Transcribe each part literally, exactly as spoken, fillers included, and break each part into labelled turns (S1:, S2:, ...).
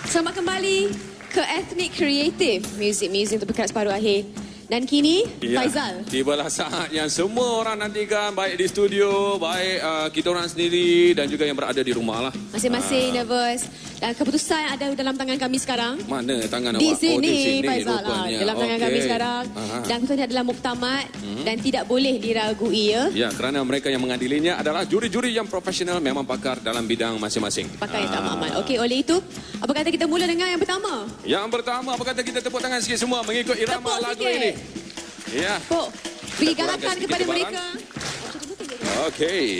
S1: Selamat kembali ke Ethnic Creative Music Museum terdekat separuh akhir. Dan kini, ya, Faizal.
S2: Tibalah saat yang semua orang nantikan, baik di studio, baik uh, kita orang sendiri dan juga yang berada di rumah lah.
S1: Masing-masing
S2: uh.
S1: nervous. Dan keputusan yang ada dalam tangan kami sekarang.
S2: Mana tangan
S1: di
S2: awak?
S1: Sini,
S2: oh, di sini,
S1: Faizal.
S2: rupanya.
S1: Dalam tangan
S2: okay.
S1: kami sekarang. Uh-huh. Dan keputusan adalah muktamad hmm. dan tidak boleh diragui. Ya?
S2: Ya, kerana mereka yang mengadilinya adalah juri-juri yang profesional, memang pakar dalam bidang masing-masing.
S1: Pakar yang tak mamat. Okey, oleh itu, apa kata kita mula dengan yang pertama?
S2: Yang pertama, apa kata kita tepuk tangan sikit semua mengikut irama
S1: tepuk
S2: lagu
S1: sikit.
S2: ini. Ya.
S1: Tepuk. Beri galakan kepada mereka.
S2: Okey.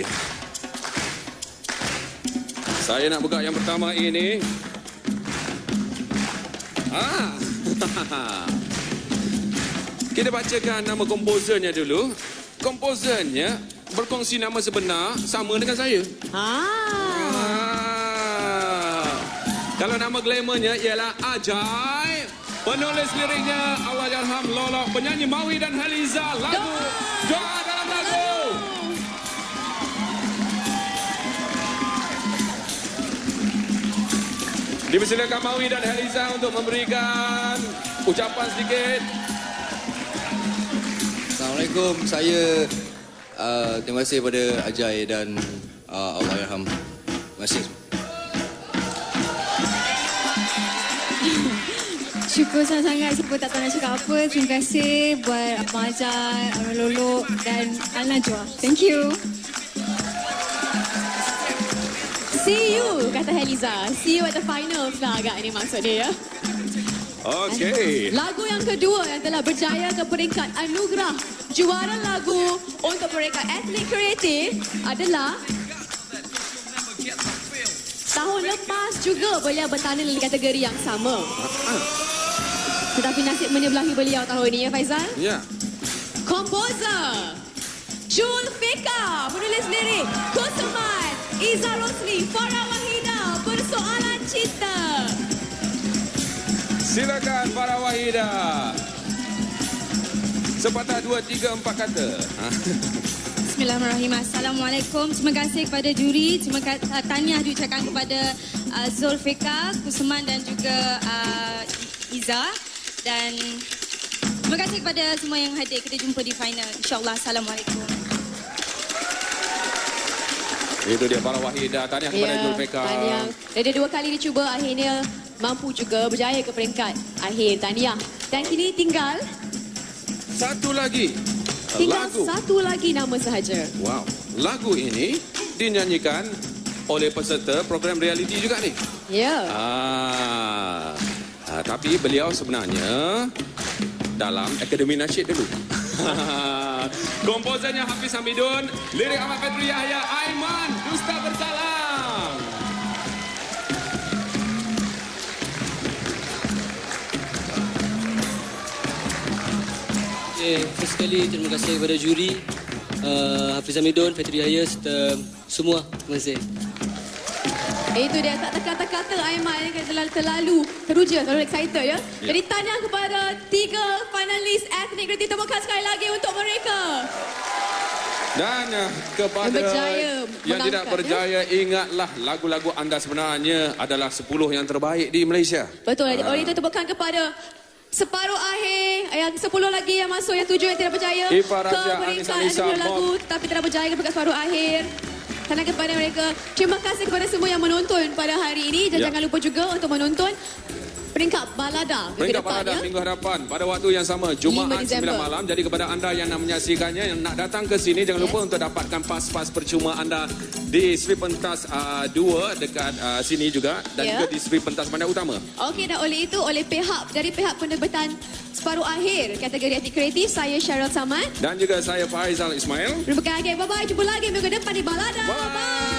S2: Saya nak buka yang pertama ini. Ah. Kita bacakan nama komposernya dulu. Komposernya berkongsi nama sebenar sama dengan saya.
S1: Ah.
S2: ah. Kalau nama glamournya ialah Ajai. Penulis liriknya Allahyarham Lolo, penyanyi Mawi dan Haliza. Lagu Doa dalam lagu. Dipersilakan Mawi dan Haliza untuk memberikan ucapan sedikit.
S3: Assalamualaikum. Saya uh, terima kasih kepada Ajai dan uh, Allahyarham. Terima kasih.
S4: Syukur sangat-sangat, saya tak tahu nak cakap apa. Terima kasih buat Abang Ajai, Abang Lolo dan Al-Najwa. Thank you.
S1: See you, kata Haliza. See you at the finals lah agak ini maksud dia ya.
S2: Okey.
S1: Lagu yang kedua yang telah berjaya ke peringkat anugerah juara lagu untuk peringkat Ethnic Creative adalah tahun lepas juga beliau bertanding di kategori yang sama. Tetapi nasib menyebelahi beliau tahun ini ya Faizal?
S2: Ya.
S1: Komposer Julfika, penulis lirik Kusuman, Iza Rosli, Farah Wahida, Persoalan Cinta.
S2: Silakan Farah Wahida. Sepatah dua, tiga, empat kata.
S4: Bismillahirrahmanirrahim. Assalamualaikum. Terima kasih kepada juri. Terima kasih uh, tahniah diucapkan kepada uh, Zulfika, Kusuman dan juga uh, Iza. Dan terima kasih kepada semua yang hadir. Kita jumpa di final. InsyaAllah. Assalamualaikum.
S2: Itu dia Farah Wahida. Tahniah kepada
S1: ya,
S2: Zulfika.
S1: Tahniah. Dia dua kali dicuba, akhirnya mampu juga berjaya ke peringkat akhir. Tahniah. Dan kini tinggal
S2: satu lagi.
S1: Tinggal
S2: lagu.
S1: satu lagi nama sahaja.
S2: Wow. Lagu ini dinyanyikan oleh peserta program reality juga ni.
S1: Ya.
S2: Ah. ah tapi beliau sebenarnya dalam Akademi Nasyid dulu. Komposernya Hafiz Hamidun, lirik Ahmad Fadri Yahya, Aiman, Dusta Bersalam.
S5: Okay, first sekali terima kasih kepada juri uh, Hafiz Hamidun, Fadri Yahya serta semua. Terima kasih.
S1: Itu dia, tak terkata-kata Aiman yang terlalu, terlalu teruja, terlalu excited ya.
S2: Ya.
S1: Jadi tahniah kepada tiga finalis Ethnic Creative. Temukan sekali lagi untuk mereka.
S2: Dan uh, kepada
S1: Yang berjaya
S2: yang tidak
S1: menangkan,
S2: berjaya, ya? Ingatlah lagu-lagu anda sebenarnya adalah sepuluh yang terbaik di Malaysia.
S1: Betul.
S2: Ah.
S1: Oleh itu tepukan kepada separuh akhir, yang sepuluh lagi yang masuk, yang tujuh yang tidak berjaya
S2: Ifa
S1: ke
S2: Razia,
S1: peringkat
S2: Anissa,
S1: anugerah lagu tapi tidak berjaya ke peringkat separuh akhir. Karena kepada mereka, terima kasih kepada semua yang menonton pada hari ini dan
S2: Ya.
S1: jangan lupa juga untuk menonton peringkat balada minggu
S2: Peringkat
S1: depan
S2: balada
S1: ya.
S2: minggu hadapan pada waktu yang sama Jumaat sembilan malam. Jadi kepada anda yang nak menyaksikannya, yang nak datang ke sini, jangan yes. lupa untuk dapatkan pas-pas percuma anda di Sri Pentas uh, dua dekat uh, sini juga dan
S1: yeah.
S2: juga di Sri Pentas Bandar Utama.
S1: Okey, dan oleh itu oleh pihak dari pihak penerbitan separuh akhir kategori Ethnic Kreatif, saya Cheryl Samad
S2: Dan juga saya Faizal Ismail.
S1: Terima kasih. Bye bye. Jumpa lagi minggu depan di balada.
S2: Bye.
S1: Bye.